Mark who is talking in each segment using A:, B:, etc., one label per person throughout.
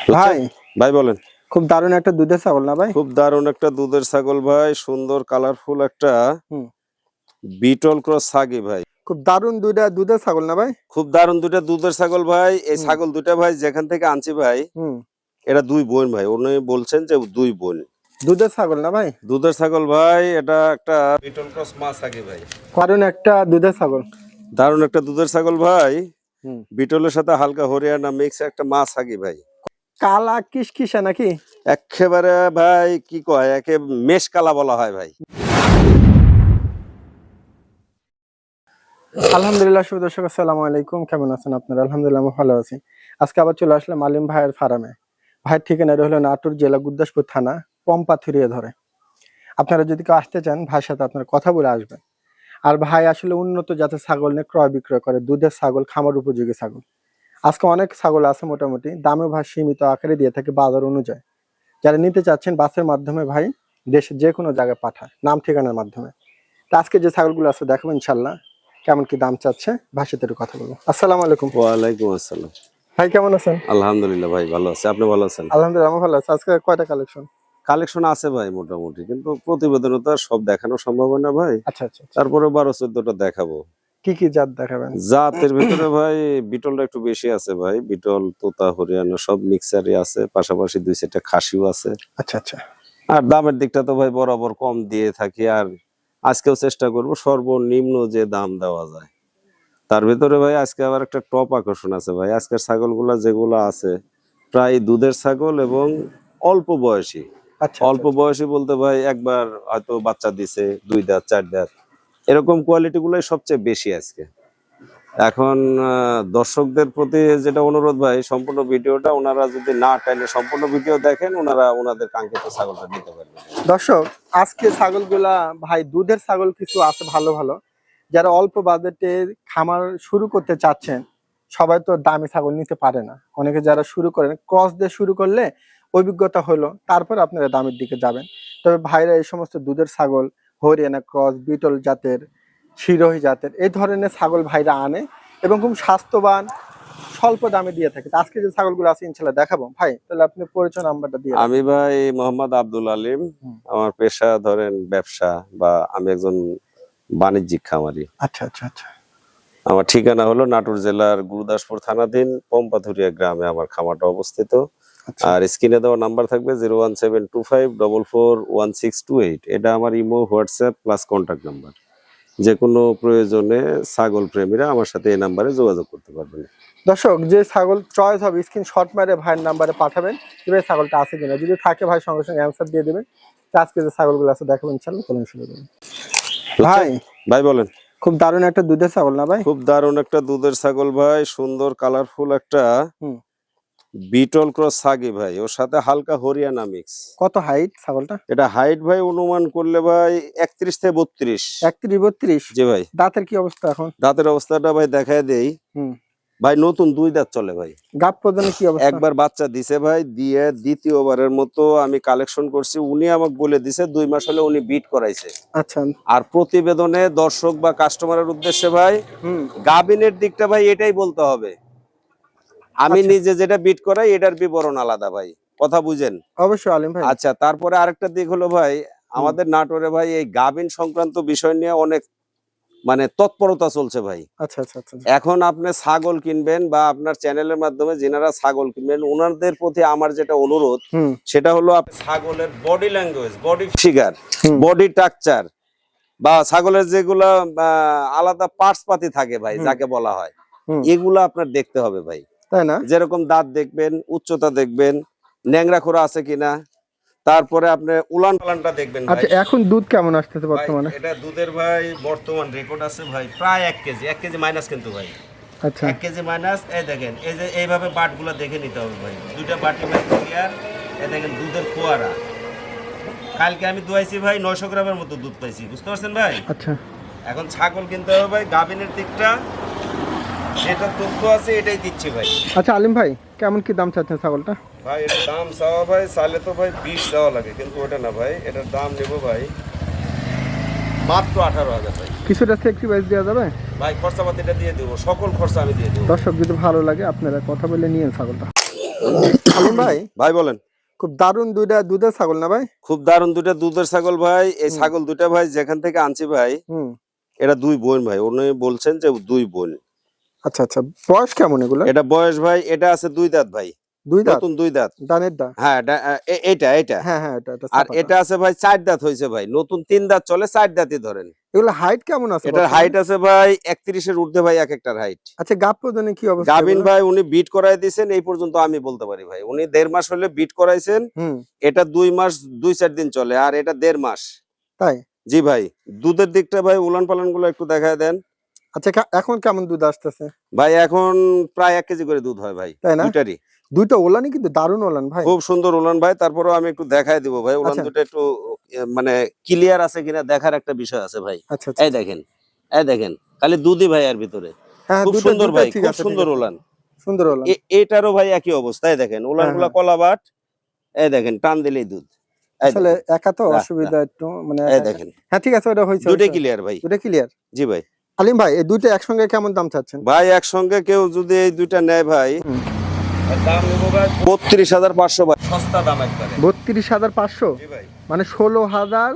A: ভাই
B: ভাই বলেন।
A: খুব দারুণ একটা দুধের ছাগল না ভাই?
B: খুব দারুণ একটা দুধের ছাগল ভাই, সুন্দর কালারফুল একটা বিটল ক্রস ছাগি ভাই।
A: খুব দারুণ দুইটা দুধের ছাগল না ভাই?
B: খুব দারুণ দুইটা দুধের ছাগল ভাই। এই ছাগল দুইটা ভাই যেখান থেকে আনছি ভাই, এটা দুই বোন ভাই। উনি বলছেন যে দুই বোন।
A: দুধের ছাগল না ভাই?
B: দুধের ছাগল ভাই, এটা একটা বিটল ক্রস মা ছাগি ভাই।
A: দারুণ একটা দুধের ছাগল।
B: দারুণ একটা দুধের ছাগল ভাই, বিটলের সাথে হালকা হরিয়ানা মিক্স একটা মা ছাগি ভাই।
A: কালা কিসকিসা নাকি?
B: একেবারে ভাই কি কয়, একে মেষ কালা বলা হয় ভাই।
A: আলহামদুলিল্লাহ, শুভ দর্শক আসসালামু আলাইকুম। কেমন আছেন আপনারা? আলহামদুলিল্লাহ আমি ভালো আছি। আজকে আবার চলে আসলাম আলিম ভাইয়ের ফার্মে। ভাইয়ের ঠিকানাটা হলো নাটোর জেলা গুরদাসপুর থানা পম্পাথুরিয়া ধরে। আপনারা যদি কেউ আসতে চান ভাইয়ের সাথে আপনারা কথা বলে আসবেন। আর ভাই আসলে উন্নত জাতের ছাগল নিয়ে ক্রয় বিক্রয় করে, দুধের ছাগল, খামার উপযোগী ছাগল। আজকে অনেক ছাগল আছে, মোটামুটি দামে ভাই সীমিত আকারে দিয়ে থাকে বাজার অনুযায়ী। যারা নিতে চাচ্ছেন বাসের মাধ্যমে ভাই দেশের যে কোনো জায়গায় পাঠায়, নাম ঠিকানার মাধ্যমে। তো আজকে যে ছাগলগুলো আছে দেখাবো ইনশাল্লাহ, কেমন কি দাম চাচ্ছে ভাইয়ের সাথে কথা বলবো। আসসালামু আলাইকুম।
B: ওয়ালাইকুম আসসালাম।
A: ভাই কেমন আছেন?
B: আলহামদুলিল্লাহ ভাই ভালো আছে, আপনি ভালো আছেন?
A: আলহামদুলিল্লাহ আমি ভালো আছি। আজকে কয়টা কালেকশন?
B: কালেকশন আছে ভাই মোটামুটি, কিন্তু প্রতিবেদনে তো আর সব দেখানো সম্ভব হয় না ভাই।
A: আচ্ছা আচ্ছা,
B: তারপরে 12-14টা দেখাবো।
A: কি কি জাত দেখাবেন?
B: জাতের ভিতরে ভাই বিটলটা একটু বেশি আছে ভাই। বিটল, তোতা, হরিয়ানা সব মিক্সারই আছে, পাশাপাশি 2-4টা খাসিও আছে।
A: আচ্ছা আচ্ছা।
B: আর দামের দিকটা তো ভাই বরাবর কম দিয়ে থাকি, আর আজকেও চেষ্টা করব সর্বনিম্ন যে দাম দেওয়া যায় তার ভিতরে ভাই। আজকে আবার একটা টপ আকর্ষণ আছে ভাই। আজকের ছাগলগুলা যেগুলো আছে প্রায় দুধের ছাগল এবং অল্প বয়সী।
A: আচ্ছা
B: অল্প বয়সী বলতে ভাই একবার হয়তো বাচ্চা দিছে, 2 দাঁত 4 দাঁত, এরকম কোয়ালিটি গুলাই সবচেয়ে বেশি আজকে। এখন দর্শকদের প্রতি যেটা অনুরোধ ভাই, সম্পূর্ণ ভিডিওটা ওনারা যদি না টাইলে সম্পূর্ণ ভিডিও দেখেন, ওনারা ওনাদের কাঙ্ক্ষিত ছাগলটা নিতে পারবেন।
A: দর্শক, আজকে ছাগলগুলা ভাই দুধের ছাগল কিছু আছে ভালো ভালো। যারা অল্প বাজেটে খামার শুরু করতে চাচ্ছেন, সবাই তো দামি ছাগল নিতে পারে না। অনেকে যারা শুরু করেন ক্রস দিয়ে শুরু করলে অভিজ্ঞতা হলো, তারপর আপনারা দামের দিকে যাবেন। তবে ভাইরা এই সমস্ত দুধের ছাগল, হরিয়ানা ক্রস, বিটল জাতের, সিরোহী জাতের এই ধরনের ছাগল ভাইরা আনে এবং খুব স্বাস্থ্যবান, স্বল্প দামে দিয়ে থাকে। আজকে যে ছাগলগুলো আছে ইনশাল্লাহ দেখাবো। ভাই তাহলে আপনি পরিচয় নাম্বারটা দিয়ে।
B: আমি ভাই মোহাম্মদ আব্দুল আলিম। আমার পেশা ধরেন ব্যবসা, বা আমি একজন বাণিজ্যিক খামারি।
A: আচ্ছা আচ্ছা আচ্ছা।
B: আমার ঠিকানা হলো নাটোর জেলার গুরুদাসপুর থানাধীন পম্পাথুরিয়া গ্রামে আমার খামারটা অবস্থিত। আর স্ক্রিনে দেওয়া নাম্বার থাকবে 01725441628। এটা আমার Imo, WhatsApp plus contact number. যে কোনো প্রয়োজনে ছাগল প্রেমীরা আমার সাথে এই নাম্বারে যোগাযোগ করতে পারবেন।
A: দর্শক, যে ছাগল চয়েস হবে স্ক্রিনশট মেরে ভাইয়ের নাম্বারে পাঠাবেন, যে ছাগলটা আছে কিনা। যদি থাকে ভাই সঙ্গে সঙ্গে অ্যান্সার দিয়ে দেবেন। আজকে যে ছাগলগুলো আছে দেখাবেন ইনশাআল্লাহ। চলুন শুরু করুন।
B: ভাই বলেন।
A: খুব দারুণ একটা দুধের ছাগল না ভাই?
B: খুব দারুণ একটা দুধের ছাগল ভাই, সুন্দর কালারফুল একটা বিটল ক্রস ছাগি ভাই, ওর সাথে হালকা হরিয়ানা মিক্স।
A: কত হাইট ছাগলটা?
B: এটা হাইট ভাই অনুমান করলে ভাই 31 থেকে 32।
A: 31-32?
B: জি ভাই।
A: দাঁতের কি অবস্থা এখন?
B: দাঁতের অবস্থাটা ভাই দেখায় দেই। ভাই নতুন 2 দাঁত চলে ভাই।
A: গাব প্রদানের কি অবস্থা?
B: একবার বাচ্চা দিছে ভাই, দিয়ে দ্বিতীয়বারের মতো আমি কালেকশন করছি। উনি আমাকে বলে দিছে 2 মাস হলে উনি বিট করাইছে।
A: আচ্ছা।
B: আর প্রতিবেদনে দর্শক বা কাস্টমারের উদ্দেশ্যে ভাই গাবিনের দিকটা ভাই এটাই বলতে হবে। আমি নিজে যেটা বিট করাই এটার বিবরণ আলাদা ভাই, কথা বুঝেন?
A: অবশ্যই আলিম ভাই।
B: আচ্ছা, তারপরে আরেকটা দিক হলো ভাই, আমাদের নাটোরে ভাই এই গাবিন সংক্রান্ত বিষয় নিয়ে অনেক মানে তৎপরতা চলছে ভাই।
A: আচ্ছা আচ্ছা আচ্ছা।
B: এখন আপনি ছাগল কিনবেন বা আপনার চ্যানেলের মাধ্যমে যেনারা ছাগল কিনবেন, ওনাদের প্রতি আমার যেটা অনুরোধ সেটা হলো আপনি ছাগলের body language, body figure, body structure বা ছাগলের যেগুলা আলাদা পার্টস পাতি থাকে ভাই, যাকে বলা হয়, এগুলা আপনার দেখতে হবে ভাই, তাই না? যেরকম দাঁত দেখবেন, উচ্চতা দেখবেন, ন্যাংরা খোরা আছে কিনা, তারপরে আপনি উলান পালানটা দেখবেন ভাই।
A: আচ্ছা, এখন দুধ কেমন আসতেছে বর্তমানে?
B: এটা দুধের ভাই বর্তমান রেকর্ড আছে ভাই প্রায় 1 কেজি, 1 কেজি মাইনাস কিন্তু ভাই।
A: আচ্ছা,
B: 1 কেজি মাইনাস। এই দেখেন, এই যে এইভাবে বাটগুলো দেখে নিতে হবে ভাই, 2টা বাটি ভাই ক্লিয়ার। এই দেখেন দুধের ফোয়ারা। কালকে আমি দুয়াইছি ভাই 900 গ্রামের মতো দুধ পাইছি, বুঝতে পারছেন ভাই?
A: আচ্ছা।
B: এখন ছাগল কিনতে হবে ভাই, গাবিনের দিকটা যেটা তথ্য আছে এটাই দিচ্ছি ভাই।
A: আচ্ছা আলিম ভাই, কেমন কি দাম চাচ্ছেন ছাগলটা?
B: ভাই এটার দাম চাওয়া ভাই, চাইলে তো ভাই 20 দেওয়া লাগে, কিন্তু ওটা না ভাই, এটার দাম নেবো ভাই মাত্র 18,000 ভাই।
A: কিছুটা স্যাক্রিফাইস দেওয়া যাবে
B: ভাই? খরচাপাতিটা দিয়ে দেবো, সকল খরচা আমি দিয়ে দেবো।
A: দর্শক যদি ভালো লাগে আপনারা কথা বলে নিয়েন ছাগলটা। আলিম ভাই,
B: ভাই বলেন।
A: খুব দারুণ দুইটা দুধের ছাগল না ভাই?
B: খুব দারুণ দুইটা দুধের ছাগল ভাই। এই ছাগল দুইটা ভাই যেখান থেকে আনছি ভাই,
A: হুম।
B: এটা দুই বোন ভাই। উনি বলছেন যে দুই বোন।
A: আচ্ছা আচ্ছা, বয়স কেমন এগুলো?
B: এটা বয়স ভাই, এটা আছে দুই দাঁত ভাই,
A: দুই দাঁত?
B: নতুন দুই দাঁত।
A: ডানের দা?
B: হ্যাঁ এটা এটা।
A: হ্যাঁ হ্যাঁ, এটা
B: আর এটা আছে ভাই চার দাঁত হয়েছে ভাই, নতুন তিন দাঁত চলে, চার দাঁতই ধরেন।
A: এগুলো হাইট কেমন আছে?
B: এটার হাইট আছে ভাই 31-এর ঊর্ধ্বে ভাই, এক একটার হাইট।
A: আচ্ছা, গাব প্রদানে কি অবস্থা?
B: গাবিন ভাই উনি বিট করাই দিয়েছেন এই পর্যন্ত, আমি বলতে পারি ভাই উনি 1.5 মাস হলে বিট করাইছেন। এটা 2 মাস 2-4 দিন চলে, আর এটা 1.5 মাস।
A: তাই?
B: জি ভাই। দুধের দিকটা ভাই উলান পালান গুলো একটু দেখায় দেন।
A: আচ্ছা, এখন কেমন দুধ আসতেছে
B: ভাই এখন প্রায় 1 কেজি করে দুধ হয় ভাই,
A: তাই না?
B: দুইটারই।
A: দুইটা ওলানই কিন্তু দারুণ ওলান ভাই,
B: খুব সুন্দর উলান ভাই। তারপরেও আমি একটু দেখায় দিব ভাই, উলান
A: আচ্ছা।
B: দুটো একটু মানে ক্লিয়ার আছে কিনা দেখার একটা বিষয় আছে ভাই।
A: আচ্ছা আচ্ছা।
B: এই দেখেন, এই দেখেন, খালি দুধই ভাই এর ভিতরে।
A: হ্যাঁ,
B: খুব
A: দুটো
B: সুন্দর
A: দুটো
B: ভাই,
A: ঠিক
B: খুব
A: আছে,
B: সুন্দর
A: ঠিক আছে।
B: উলান।
A: সুন্দর ওলান।
B: এটারও ভাই একই অবস্থায় দেখেন, উলান
A: হ্যাঁ,
B: গুলা
A: হ্যাঁ।
B: কলাবাট। এই দেখেন, টান দিলেই দুধ। এই
A: আসলে
B: দেখেন,
A: একা তো
B: রাহ,
A: অসুবিধা একটু, মানে
B: এই দেখেন,
A: হ্যাঁ ঠিক আছে, ওটা হয়েছে।
B: দুটোই ক্লিয়ার ভাই।
A: দুটো ক্লিয়ার।
B: জি ভাই।
A: আলিম ভাই, এই দুইটা একসঙ্গে কেমন দাম চাচ্ছেন
B: ভাই একসঙ্গে কেউ যদি এই দুইটা নেয় ভাই, এর দাম নেবো ভাই 32,500 ভাই, সস্তা দাম একবারে।
A: 32,500?
B: জি ভাই।
A: মানে 16,000,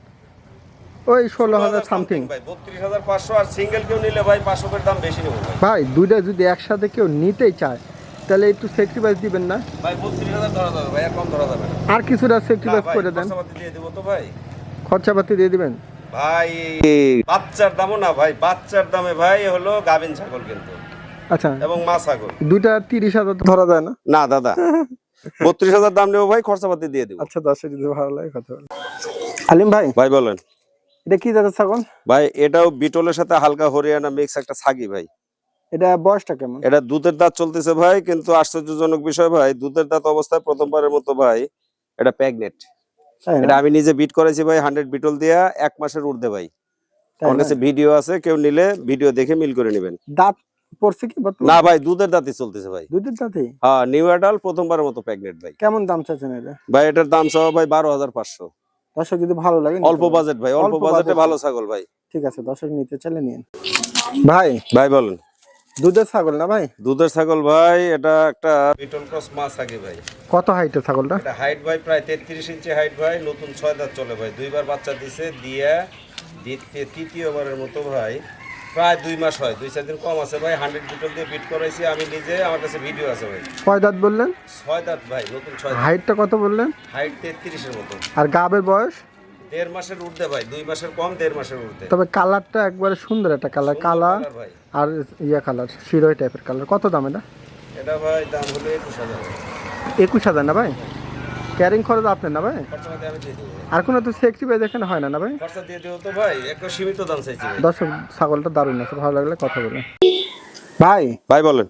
A: ওই 16,000 সামথিং
B: ভাই 32,500। আর সিঙ্গেল কেউ নিলে ভাই 500 করে দাম বেশি নেবো ভাই।
A: ভাই। দুইটা যদি একসাথে কেউ নিতেই চায় তাহলে একটু স্যাক্রিফাইস দিবেন না
B: ভাই 32,000 ধরা যাবে ভাই, আর কম ধরা যাবে না।
A: আর কিছুটা
B: না
A: স্যাক্রিফাইস
B: ভাই,
A: করে দেন?
B: খরচাপাতি দিয়ে দেবো তো ভাই।
A: খরচাপাতি দিয়ে দিবেন
B: ভাই বাচ্চার দামও না ভাই, বাচ্চার দামে ভাই হলো গাভিন ছাগল কিন্তু,
A: আচ্ছা।
B: এবং মা ছাগল।
A: দুইটা 30,000 ধরা যায় না?
B: না দাদা, 32,000 দাম নেবো ভাই, খরচাপাতি দিয়ে দেবো।
A: আচ্ছা, 10 যদি ভালো লাগে কথা বলেন। আলিম ভাই,
B: ভাই বলেন।
A: এটা কি জাতের ছাগল?
B: ভাই এটাও বিটলের সাথে হালকা হরিয়ানা মিক্স একটা ছাগি ভাই।
A: এটা বয়সটা কেমন?
B: এটা দুধের দাঁত চলতেছে ভাই, কিন্তু আশ্চর্যজনক বিষয় ভাই, দুধের দাঁত অবস্থায় প্রথমবারের মতো ভাই এটা প্রেগনেন্ট।
A: তাই না?
B: এটা আমি নিজে বিট করেছি ভাই, 100 বিটল দিয়া 1 মাসের ঊর্ধ্বে ভাই।
A: তাই
B: আমার
A: না?
B: কাছে ভিডিও আছে, কেউ নিলে ভিডিও দেখে মিল করে নেবেন।
A: দাঁত পড়ছে কি বর্তমানে?
B: না ভাই, দুধের দাঁতই চলতেছে ভাই।
A: দুধের দাঁতই?
B: হ্যাঁ, নিউ অ্যাডাল, প্রথমবারের মতো প্রেগনেন্ট ভাই।
A: কেমন দাম চাচ্ছেন এটা?
B: ভাই এটার দাম চাওয়া ভাই 12,500।
A: দর্শক যদি ভালো লাগে
B: অল্প বাজেট ভাই, অল্প বাজেটে ভালো ছাগল ভাই।
A: ঠিক আছে, দর্শক নিতে চাইলে নিন ভাই।
B: ভাই বলেন।
A: দুধের ছাগল না ভাই?
B: দুধের ছাগল ভাই, এটা একটা বিটল ক্রস মা ছাগি ভাই।
A: কত হাইটের ছাগলটা?
B: এটা হাইট ভাই প্রায় 33 ইঞ্চি হাইট ভাই, নতুন 6 দাঁত চলে ভাই, দুইবার বাচ্চা দিছে, দিয়ে তৃতীয়বারের মতো ভাই, প্রায় 2 মাস হয়, 2-4 দিন কম আছে ভাই। 100 বিটল দিয়ে বিট করাইছি আমি নিজে, আমার কাছে ভিডিও আছে ভাই।
A: কয় দাঁত বললেন?
B: 6 দাঁত ভাই, নতুন 6 দাঁত।
A: হাইটটা কত বললেন?
B: হাইট 33-এর মতো।
A: আর গাবের বয়স?
B: 1.5 মাসের ঊর্ধ্বে ভাই, 2 মাসের কম, 1.5 মাসের ঊর্ধ্বে।
A: তবে কালারটা একবারে সুন্দর একটা কালার, কালা
B: সুন্দর colour ভাই।
A: আর ইয়া কালার, শিরোই টাইপের কালার। কত দাম এটা?
B: এটা ভাই দাম হলো 21,000।
A: 21,000 না ভাই? ক্যারিং খরচ আপনার না ভাই?
B: খরচাপাতি আমি দিয়ে দেবো।
A: আর কোনো তো স্যাক্রিফাইস এখানে হয় না না ভাই?
B: খরচা দিয়ে দেবো তো ভাই, একটু সীমিত দাম চাইছি ভাই।
A: দর্শক, ছাগলটা দারুণ আছে, ভালো লাগলে কথা বলেন ভাই।
B: ভাই বলেন।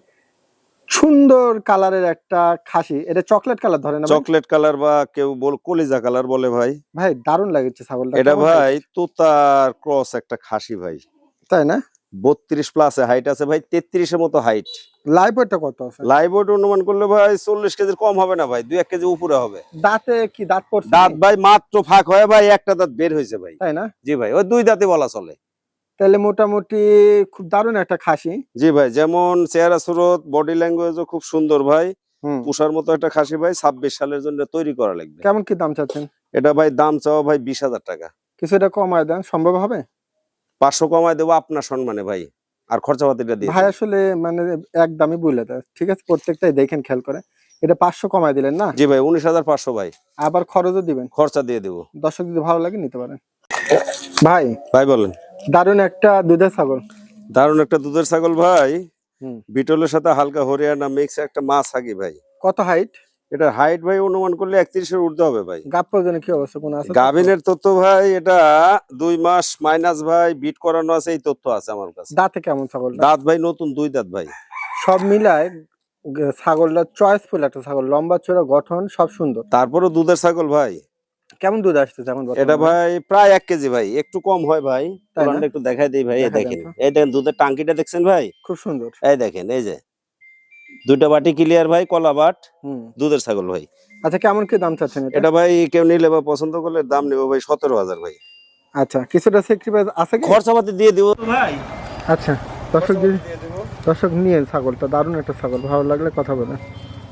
A: সুন্দর কালারের একটা খাসি, এটা চকলেট কালার ধরে না ভাই?
B: চকলেট কালার বা কেউ কলিজা কালার বলে ভাই।
A: ভাই দারুণ লাগছে ছাগলটা।
B: এটা
A: কেমন
B: ভাই
A: height?
B: তোতার ক্রস একটা খাসি ভাই,
A: তাই না?
B: 32 প্লাসে হাইট আছে ভাই, 33-এর মতো হাইট।
A: লাইভ ওয়েটটা কত আছে?
B: লাইভ ওয়েট অনুমান করলে ভাই 40 কেজির কম হবে না ভাই, 2-1 কেজি উপরে হবে।
A: দাঁতে কি দাঁত পড়ছে?
B: দাঁত ভাই মাত্র ফাঁক হয় ভাই, একটা দাঁত বের হয়েছে ভাই।
A: তাই না?
B: জি ভাই, ওই 2 দাঁতই বলা চলে।
A: তাহলে মোটামুটি খুব দারুণ একটা খাসি।
B: জি ভাই, যেমন চেহারা সুরত, বডি ল্যাঙ্গুয়েজও খুব সুন্দর ভাই,
A: হুম।
B: পুষার মতো একটা খাসি ভাই। 26 সালের জন্য তৈরি করা লাগবে।
A: কেমন কি দাম চাচ্ছেন?
B: এটা ভাই দাম চাওয়া ভাই 20,000 টাকা।
A: কিছুটা কমায় দেন, সম্ভব হবে?
B: 500 কমায় দেবো আপনার সম্মানে ভাই, আর খরচাপাতিটা দিয়ে
A: ভাই
B: দেবো।
A: আসলে মানে একদমই বলে দেয়, ঠিক আছে, প্রত্যেকটাই দেখেন খেয়াল করে। এটা 500 কমায় দিলেন না?
B: জি ভাই, 19,500 ভাই,
A: আবার খরচও দিবেন।
B: খরচা দিয়ে দেবো।
A: দর্শক যদি ভালো লাগে নিতে পারেন ভাই।
B: ভাই বলেন।
A: দারুণ একটা দুধের ছাগল।
B: দারুণ একটা দুধের ছাগল ভাই,
A: হুম।
B: বিটলের সাথে হালকা হরিয়ানা মিক্স একটা মা ছাগি ভাই।
A: কত হাইট?
B: এটা হাইট ভাই অনুমান করলে 31-এর ঊর্ধ্বে হবে ভাই।
A: গাব প্রয়োজনে কি অবস্থা কোন আছে?
B: গাভিনের তথ্য ভাই, এটা 2 মাস মাইনাস ভাই, বিট করানো আছে, এই তথ্য আছে আমার কাছে।
A: দাঁতে কেমন ছাগল?
B: দাঁত ভাই নতুন 2 দাঁত ভাই।
A: সব মিলায় ছাগলটা চয়েসফুল একটা ছাগল, লম্বা চড়া গঠন সব সুন্দর।
B: তারপরও দুধের ছাগল ভাই।
A: কেমন দুধ আসতেছে এখন
B: এটা ভাই প্রায় 1 কেজি ভাই, একটু কম হয় ভাই।
A: তাই না?
B: উলানটা একটু দেখাই দেই ভাই, এই
A: দেখাই দেন
B: দেখেন,
A: তো।
B: এই দেখেন দুধের টাঙ্কিটা দেখছেন ভাই?
A: খুব সুন্দর।
B: এই দেখেন, এই যে 2টা বাটি ক্লিয়ার ভাই, কলা বাট,
A: হুম।
B: দুধের ছাগল ভাই।
A: আচ্ছা, কেমন কি দাম চাচ্ছেন এটা?
B: এটা ভাই কেউ নিলে বা পছন্দ করলে দাম নেবো ভাই 17,000 ভাই।
A: আচ্ছা, কিছুটা স্যাক্রিফাইস আছে কি?
B: খরচাপাতি দিয়ে দিব ভাই।
A: আচ্ছা, দর্শক
B: খরচাপাতি দিয়ে দেব।
A: দর্শক নিয়ে ছাগলটা দারুণ একটা ছাগল, ভালো লাগলে কথা বলেন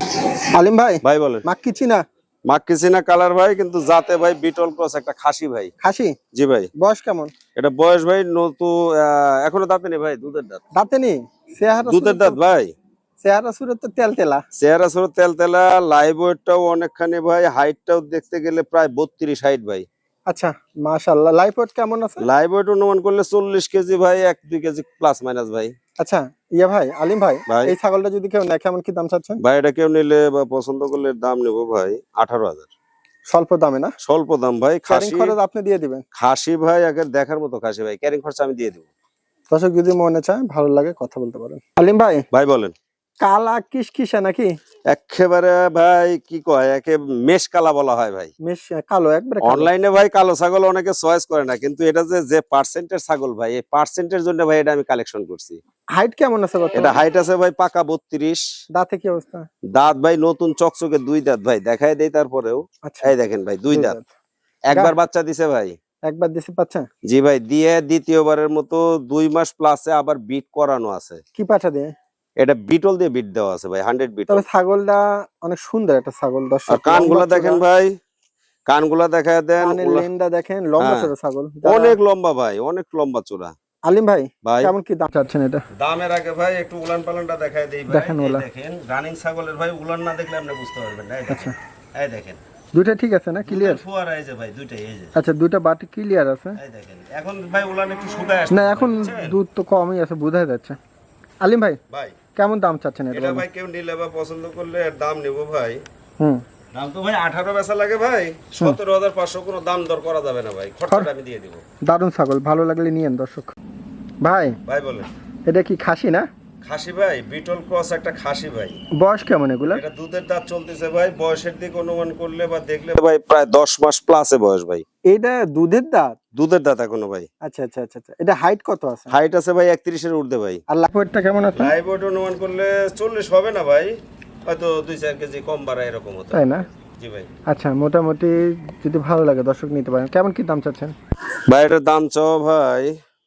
A: আলিম ভাই,
B: ভাই বলেন।
A: মাক্কি চিনা
B: মাক্কিসিনা কালার ভাই, কিন্তু জাতে ভাই বিটল ক্রস একটা খাসি ভাই।
A: খাসি?
B: জি ভাই।
A: বয়স কেমন?
B: এটা বয়স ভাই নতুন, এখনো দাঁতে নেই ভাই, দুধের দাঁত।
A: দাঁতে নেই? চেহারা
B: দুধের
A: সুরত
B: দাঁত ভাই।
A: চেহারা সুরত তো তেলতেলা।
B: চেহারা ছোট, তেলতেলা, লাইভ ওয়েটটাও অনেকখানি ভাই, হাইটটাও দেখতে গেলে প্রায় 32 হাইট ভাই।
A: আচ্ছা, মাশাআল্লাহ। লাইফ ওয়েট কেমন আছে?
B: লাইভ ওয়েট অনুমান করলে 40 কেজি ভাই, 1-2 কেজি প্লাস মাইনাস ভাই।
A: আচ্ছা, ইয়া ভাই, আলিম ভাই,
B: ভাই।
A: এই ছাগলটা যদি কেউ নেয় কেমন কি দাম চাচ্ছেন?
B: ভাই এটা কেউ নিলে বা পছন্দ করলে দাম নেবো ভাই 18,000।
A: স্বল্প দামে না?
B: স্বল্প দাম ভাই।
A: ক্যারিং
B: খাসি,
A: খরচ আপনি দিয়ে দিবেন?
B: খাসি ভাই আগে দেখার মতো খাসি ভাই, ক্যারিং খরচা আমি দিয়ে দেবো।
A: দর্শক যদি মনে চায়, ভালো লাগে, কথা বলতে পারেন। আলিম ভাই,
B: ভাই বলেন।
A: কালা কিসকিসা নাকি?
B: একেবারে ভাই কি কয়, একে মেষ কালা বলা হয় ভাই।
A: মেশ কালো, একবারে কালো।
B: অনলাইনে ভাই কালো ছাগল অনেকে চয়েস করে না, কিন্তু এটা যে পার্সেন্টের ছাগল ভাই, এই পার্সেন্টের জন্য ভাই এটা আমি কালেকশন করছি।
A: হাইট কেমন আছে
B: এটা
A: বর্তমানে?
B: হাইট আছে ভাই পাকা 32।
A: দাঁতে কি অবস্থা?
B: দাঁত ভাই নতুন চকচকে 2 দাঁত ভাই, দেখাই দেই তারপরেও।
A: আচ্ছা,
B: এই দেখেন ভাই 2
A: দুই
B: দাঁত।
A: দাঁত।
B: একবার বাচ্চা দিছে ভাই।
A: একবার দিছে পাচ্ছা?
B: জি ভাই, দিয়ে দ্বিতীয়বারের মতো 2 মাস প্লাসে আবার বিট করানো আছে।
A: কি পাঠা দিয়ে?
B: এটা বিটল দিয়ে বিট দেওয়া আছে ভাই, 100 বিটল।
A: তবে ছাগলটা অনেক সুন্দর একটা ছাগল।
B: আর
A: দর্শক,
B: কানগুলা
A: লম্বা
B: দেখেন
A: চওড়া,
B: ভাই, কানগুলা দেখায় দেন।
A: কানের লেনটা দেখেন, লম্বা
B: হ্যাঁ,
A: চওড়া ছাগল।
B: অনেক লম্বা ভাই, অনেক লম্বা চূড়া।
A: আলিম ভাই,
B: ভাই
A: কেমন কি দাম চাচ্ছেন এটা?
B: দামের আগে ভাই একটু উলান পালানটা দেখায় দেই ভাই।
A: দেখেন
B: এই
A: ওলা।
B: দেখেন রানিং ছাগলের ভাই উলান না দেখলে আপনি বুঝতে পারবেন না। এই দেখেন, এই দেখেন
A: দুইটা ঠিক আছে না? ক্লিয়ার?
B: ফুয়ারা এই যে ভাই দুইটাই এই যে।
A: আচ্ছা, দুইটা বাটি ক্লিয়ার আছে।
B: এই দেখেন এখন ভাই উলান একটু শুকায় আসছে
A: না, এখন দুধ তো কমই আছে, বোঝা যাচ্ছে। আলিম ভাই,
B: ভাই।
A: কেমন দাম চাচ্ছেন এটা?
B: এটা ভাই কেউ নিলে বা পছন্দ করলে এর দাম নেব ভাই।
A: হুম,
B: দাম তো ভাই 18 বেচা লাগে ভাই, 17,500 কোনো দাম দর করা যাবে না ভাই, খরচাটা আমি দিয়ে দিব।
A: দারুণ ছাগল, ভালো লাগলে নিয়েন দর্শক। ভাই,
B: ভাই বলেন।
A: এটা কি খাসি না?
B: খাসি ভাই, বিটল ক্রস একটা খাসি ভাই।
A: বয়স কেমন এগুলা?
B: এটা দুধের দাঁত চলতেছে ভাই, বয়সের দিক অনুমান করলে বা দেখলে ভাই প্রায় 10 মাস প্লাসে বয়স ভাই।
A: এটা দুধের দাঁত?
B: দুধের দাঁত এখনো ভাই।
A: আচ্ছা আচ্ছা আচ্ছা আচ্ছা। এটা হাইট কত আছে?
B: হাইট আছে ভাই 31 এর ঊর্ধ্বে ভাই।
A: আর লাইফ ওয়েটটা কেমন আছে?
B: লাইভ ওয়েট অনুমান করলে 40 হবে না ভাই, হয়তো 2-4 কেজি কম বাড়ায় এরকম হতো।
A: তাই না?
B: জি ভাই।
A: আচ্ছা, মোটামুটি যদি ভালো লাগে দর্শক নিতে পারেন। কেমন কি দাম চাচ্ছেন?
B: ভাই এটার দাম চাও ভাই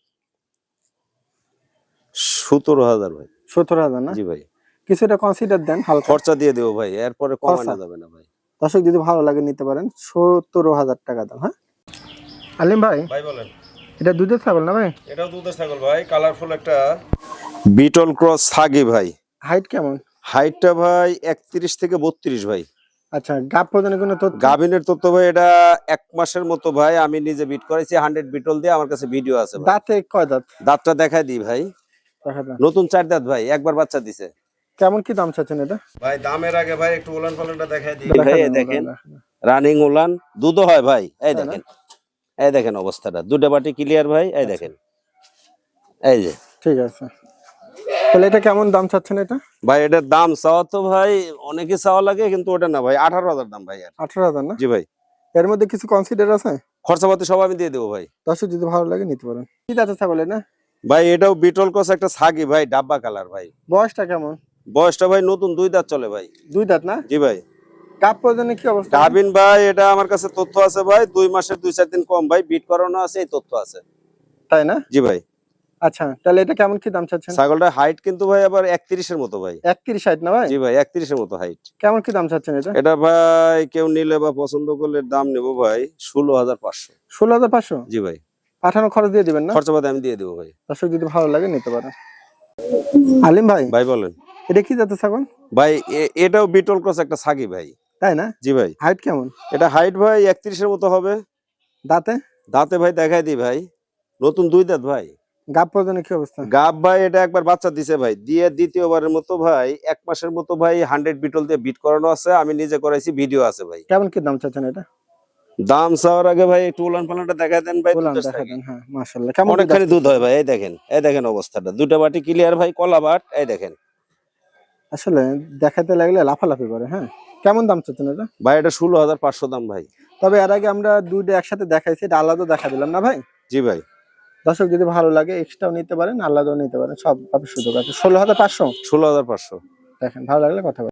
B: 17,000 ভাই।
A: 17,000 না?
B: জি ভাই।
A: কিছুটা কনসিডার দেন হালকা।
B: খরচা দিয়ে দেবো ভাই, এরপরে কমানো
A: খরচা?
B: যাবে না ভাই।
A: দর্শক যদি ভালো লাগে নিতে পারেন। 17,000 টাকা দাম। হ্যাঁ আলিম ভাই,
B: ভাই বলেন।
A: এটা দুধের ছাগল না ভাই?
B: এটাও দুধের ছাগল ভাই, কালারফুল একটা বিটল ক্রস ছাগি ভাই।
A: হাইট কেমন?
B: হাইটটা ভাই 31 থেকে 32 ভাই।
A: আচ্ছা, গাব প্রদানের কোনো তথ্য?
B: গাভিনের তথ্য ভাই, এটা 1 মাসের মতো ভাই, আমি নিজে বিট করেছি 100 বিটল দিয়ে, আমার কাছে ভিডিও আছে ভাই।
A: দাঁতে কয় দাঁত?
B: দাঁতটা দেখাই দিই ভাই।
A: দেখা দাঁত।
B: নতুন 4 দাঁত ভাই, একবার বাচ্চা দিছে।
A: কেমন কি দাম চাচ্ছেন এটা?
B: ভাই দামের আগে ভাই একটু উলান পালানটা দেখাই দিই
A: দেখা
B: ভাই।
A: দেন,
B: এই দেখেন
A: দেখা দেন।
B: রানিং উলান, দুধও হয় ভাই। এই
A: তাই না?
B: দেখেন, এই দেখেন অবস্থাটা, দুটো বাটি ক্লিয়ার ভাই। এই দেখেন, এই যে।
A: ঠিক আছে, তাহলে এটা কেমন দাম চাচ্ছেন এটা?
B: ভাই এটার দাম চাওয়া তো ভাই অনেকে চাওয়া লাগে, কিন্তু ওটা না ভাই, 18,000 দাম ভাই। আর
A: 18,000 না?
B: জি ভাই।
A: এর মধ্যে কিছু কনসিডার আছে?
B: খরচাপাতি সব আমি দিয়ে দেবো ভাই।
A: দর্শক যদি ভালো লাগে নিতে পারেন। কি দাঁতে ছাগলের না?
B: ভাই এটাও বিটল ক্রস একটা ছাগি ভাই, ডাব্বা কালার ভাই।
A: বয়সটা কেমন?
B: বয়সটা ভাই নতুন 2 দাঁত চলে ভাই।
A: দুই দাঁত না?
B: জি ভাই।
A: গাব প্রদানের কি অবস্থা?
B: গাভিন ভাই, এটা আমার কাছে তথ্য আছে ভাই, 2 মাসের 2-4 দিন কম ভাই, বিট করানো আছে, এই তথ্য আছে।
A: তাই না?
B: জি ভাই।
A: আচ্ছা, তাহলে এটা কেমন কি দাম চাচ্ছেন?
B: ছাগলটা হাইট কিন্তু ভাই আবার 31 এর মতো ভাই।
A: 31 হাইট না ভাই?
B: জি ভাই, 31 এর মতো হাইট।
A: কেমন কি দাম চাচ্ছেন এটা?
B: এটা ভাই কেউ নিলে বা পছন্দ করলে দাম নেব ভাই 16,500।
A: 16,500?
B: জি ভাই।
A: পাঠানো খরচ দিয়ে দিবেন না?
B: খরচাপাতি আমি দিয়ে দেবো ভাই।
A: দর্শক যদি ভালো লাগে নিতে পারেন। আলিম ভাই,
B: ভাই বলেন।
A: এটা কি জাতের ছাগল?
B: ভাই এটাও বিটল ক্রস একটা ছাগি ভাই।
A: তাই না?
B: জি ভাই।
A: হাইট কেমন?
B: এটা হাইট ভাই 31 এর মতো হবে।
A: দাঁতে?
B: দাঁতে ভাই দেখাই দিই ভাই, নতুন 2 দাঁত ভাই।
A: গাব প্রদানের কি অবস্থা?
B: গাব ভাই এটা একবার বাচ্চা দিছে ভাই, দিয়ে দ্বিতীয়বারের মতো ভাই 1 মাসের মতো ভাই 100 বিটল দিয়ে বিট করানো আছে, আমি নিজে করাইছি, ভিডিও আছে ভাই।
A: কেমন কি দাম চাচ্ছেন এটা?
B: দাম চাওয়ার আগে ভাই একটু উলান পালানটা দেখাই দেন ভাই।
A: বললাম
B: দুধের
A: দেখা
B: ছাগি।
A: দেন। হ্যাঁ, মাশাআল্লাহ। কেমন কি
B: অনেকখানি
A: দাম?
B: দুধ হয় ভাই। এই দেখেন অবস্থাটা, 2টা বাটি ক্লিয়ার ভাই, কলা বাট। এই দেখেন
A: আসলে দেখাতে লাগলে লাফালাফি করে। হ্যাঁ, কেমন দাম চাচ্ছেন এটা?
B: ভাই, এটা 16,500 দাম ভাই।
A: তবে এর আগে আমরা দুইটা একসাথে দেখাইছি, এটা আলাদা দেখা দিলাম না ভাই?
B: জি ভাই।
A: দর্শক যদি ভালো লাগে এক্সট্রাও নিতে পারেন, আলাদাও নিতে পারেন, সব সুযোগ আছে। 16,500
B: 16,500।
A: দেখেন, ভালো লাগলে কথা বলবেন।